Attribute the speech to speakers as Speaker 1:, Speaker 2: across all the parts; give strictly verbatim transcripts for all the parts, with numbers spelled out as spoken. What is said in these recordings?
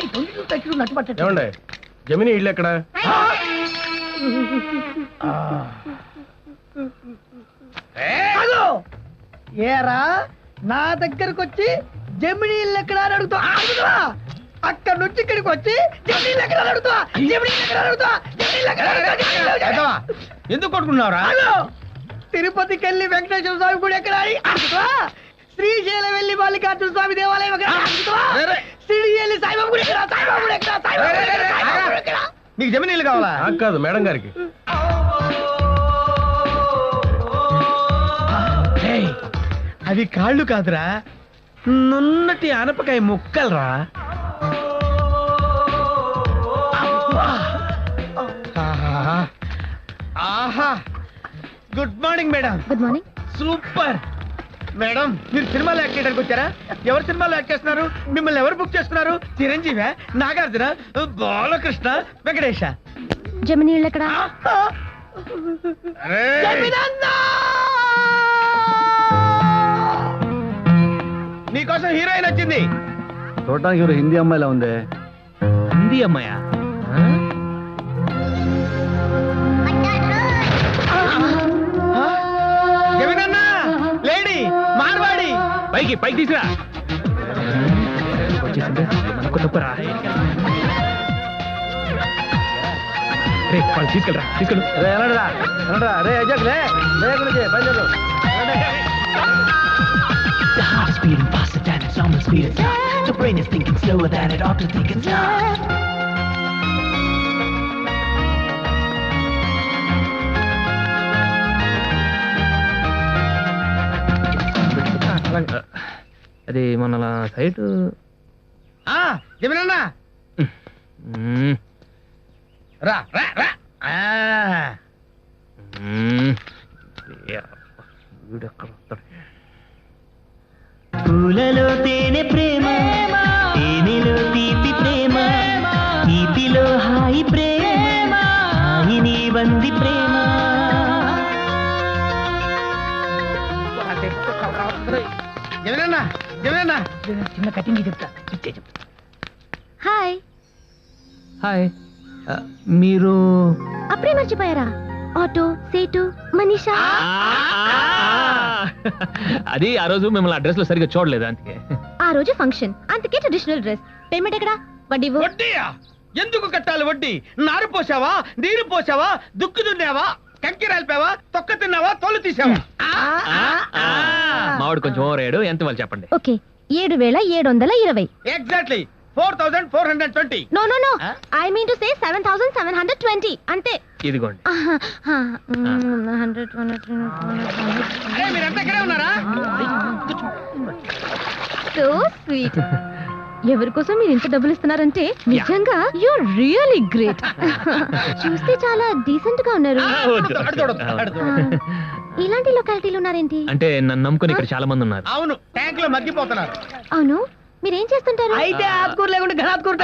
Speaker 1: ఏమండి జమిని ఇల్లు ఎక్కడ?
Speaker 2: ఏరా నా దగ్గరకు వచ్చి జమిని ఇల్లు ఎక్కడ అని అడుగుతా అడుగుతా అక్కడ నుంచి ఇక్కడికి వచ్చి జమిని ఇల్లు ఎక్కడ అడుగుతా జమిని ఇల్లు ఎక్కడ అడుగుతా జమిని ఇల్లు ఎక్కడ అడుగుతా
Speaker 1: ఎందుకు కొట్టుకున్నావురా?
Speaker 2: తిరుపతికి వెళ్ళి వెంకటేశ్వర స్వామి గుడి ఎక్కడ అని అడుగుతా శ్రీశైలం వెళ్ళి మల్లికార్జున స్వామి దేవాలయం ఎక్కడ అడుగుతా సిడి వెళ్ళి సాయిబాబా గుడి ఎక్కడ సాయిబాబా గుడి ఎక్కడ సాయిబాబా గుడి ఎక్కడ?
Speaker 1: నీకు జమిని ఇల్లు కావాలా? నాకు కాదు, మేడం గారికి.
Speaker 2: అవి కాళ్ళు కాదురా, నున్నటి ఆనపకాయ ముక్కలరా. ఆహా, good morning madam.
Speaker 3: Good morning.
Speaker 2: Super madam, మీరు సినిమాలో యాక్ట్ చేయడానికి వచ్చారా? ఎవరు సినిమాలో యాక్ట్ చేస్తున్నారు? మిమ్మల్ని ఎవరు బుక్ చేస్తున్నారు? చిరంజీవి, నాగార్జున, బాలకృష్ణ, వెంకటేశ?
Speaker 3: జమిని ఇల్లు ఎక్కడ?
Speaker 2: నీకోసం హీరోయిన్ వచ్చింది.
Speaker 1: చూడటానికి ఎవరు హిందీ అమ్మాయిలా ఉంది.
Speaker 2: హిందీ అమ్మాయా? జమినన్నా, లేడీ మార్వాడి,
Speaker 1: పైకి పైకి తీసుకురా.
Speaker 2: వచ్చేసింది మనకు తప్పరా? తీసుకెళ్ళరా తీసుకెళ్ళు.
Speaker 1: రే అజక్ లే బయలుదేరు.
Speaker 4: The heart is beating faster than its normal speed is not. The brain is thinking slower than it ought to think it's not.
Speaker 2: అది మన సైట్. జమినన్నా రా రా రా.
Speaker 4: పూలలో తేనె ప్రేమ, తేనెలో తీపి ప్రేమ, తీపిలో హాయి ప్రేమ, హాయిని వంది ప్రేమ.
Speaker 2: జమినన్నా జమినన్నా చిన్న కటింగ్ చెప్తా. ఇచ్చే చెప్తా.
Speaker 3: హాయ్.
Speaker 2: హాయ్, మీరు
Speaker 3: అప్పుడే మర్చిపోయారా? ఆటో, సేటు, మనీషా.
Speaker 2: అది ఆ రోజు మిమ్మల్ని అడ్రస్ లో సరిగ్గా చూడలేదు, అందుకే.
Speaker 3: ఆ రోజు ఫంక్షన్, అందుకే ట్రెడిషనల్ డ్రెస్. పేమెంట్ ఎక్కడ? వడ్డీ.
Speaker 2: వడ్డీయా? ఎందుకు కట్టాలి వడ్డీ? నారు పోసావా, నీరు పోసావా, దుక్కు దున్నావా, కంకి రాలిపావా, తొక్క తిన్నావా, తోలు తీసావా?
Speaker 1: మావాడు కొంచెం ఓవర్ అయ్యాడు. ఎంత వాళ్ళు చెప్పండి.
Speaker 3: ఓకే, ఏడు వేల ఏడు వందల ఇరవై.
Speaker 2: Exactly four thousand four hundred twenty.
Speaker 3: No no no, I mean to say seven thousand seven hundred twenty అంతే.
Speaker 1: ఇదిగోండి.
Speaker 2: మీరంతా ఇక్కడే ఉన్నారా?
Speaker 3: So sweet. ఎవరి కోసం మీరు ఇంత డబ్బులు ఇస్తున్నారంటే నిజంగా యూర్ రియల్లీ గ్రేట్. చూస్తే చాలా డీసెంట్ గా ఉన్నారు. ఇలాంటి లొకాలిటీలు ఉన్నారేంటి?
Speaker 1: అంటే నన్ను నమ్ముకుని ఇక్కడ చాలా మంది ఉన్నారు.
Speaker 2: అవును, ట్యాంక్ లో మగ్గిపోతున్నారు.
Speaker 3: అవును, మీరేం చేస్తుంటారు?
Speaker 2: అయితే ఆకుకూర లేకుండా ఘనాత్కూర.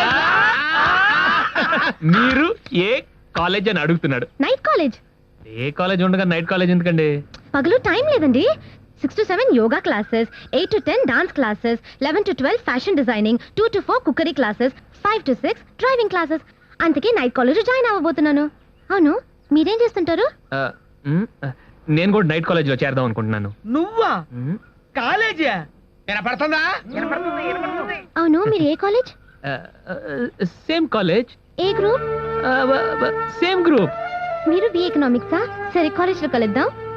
Speaker 1: మీరు ఏ కాలేజ్ అని అడుగుతున్నాడు.
Speaker 3: Night college.
Speaker 1: ఏ కాలేజ్ ఉండగా నైట్ కాలేజ్ ఎందుకండి?
Speaker 3: పగలు టైం లేదండి. Six to seven yoga classes, eight to ten dance classes, eleven to twelve fashion designing, two to four cookery classes, five to six driving classes. అందుకే night college join అవ్వబోతున్నాను. అవును, మీరేం చేస్తుంటారు?
Speaker 1: నేను కూడా నైట్ కాలేజ్ లో చేరదాం అనుకుంటున్నాను.
Speaker 2: నువ్వా? కాలేజీ పడుతుందా?
Speaker 3: అవును, మీరు ఏ కాలేజ్?
Speaker 1: Same college.
Speaker 3: ఏ గ్రూప్?
Speaker 1: Same group.
Speaker 3: మీరు బి ఎకనామిక్సా? సరే, కాలేజ్ లో కలుద్దాం.